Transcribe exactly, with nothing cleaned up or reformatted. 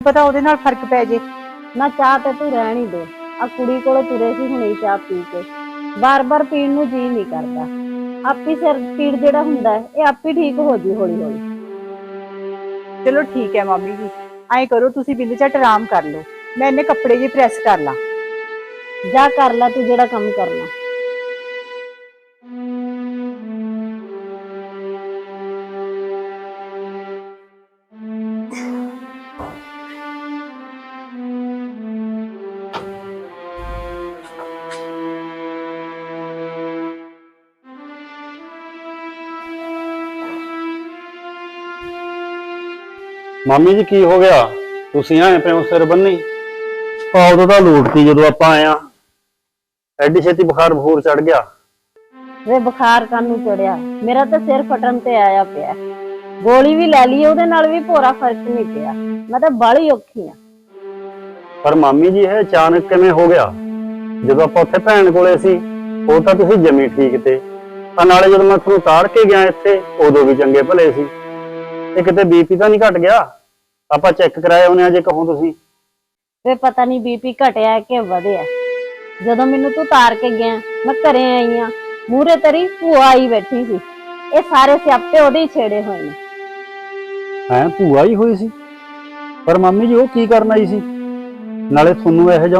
ਪਤਾ ਉਹਦੇ ਨਾਲ ਫਰਕ ਪੈ ਜੇ। ना चाह तो तू रहन ही दे। आ कुड़ी कोलों तुरे सी हुणे चाह पी के बार बार पीण नूं जी नहीं करदा। आप ही सिर पीड़ जेड़ा हुंदा है ये आप ही ठीक हो जी हौली हौली। चलो ठीक है मामी जी, ऐ करो तुसी बिंद झट आराम कर लो, मैं इन्ने कपड़े जी प्रैस कर ला। जा कर ला तू जेड़ा काम करना। मामी जी की हो गया? तुसी आए पे सिर बन्नी उदों तो लूटती जो आप आए एडी छेती बुखार बखूर चढ़ गया। वे बुखार कानू चढ़िया, मेरा तो सिर फटन ते आया पिया। गोली भी लै ली ओदे नाल भी पूरा फर्क नहीं पिया। मैं तो बड़ी औखी हाँ। पर मामी जी है अचानक किवें हो गया? जो आप उत्थे भैन कोले सी वो तो तुसी जमी ठीक थे, नाले जो मैं तुहानूं तार के गया इत्थे उदों भी चंगे भले सी। किते बीपी तो नहीं घट गया? आप चेक कराए होने जे कहो तुसी। वे पता नहीं बीपी घटिया कि वधिया। जदों मैनू तू तार के गया मैं घरे आई हाँ, मूहरे तरी भूआ आई बैठी सी। ये सारे सियापे ओदे ही छेड़े हुए ने। हैं भूआ ही हुई सी? पर मामी जी वो की करन आई सी? नाले तुहानूं इहो जिहा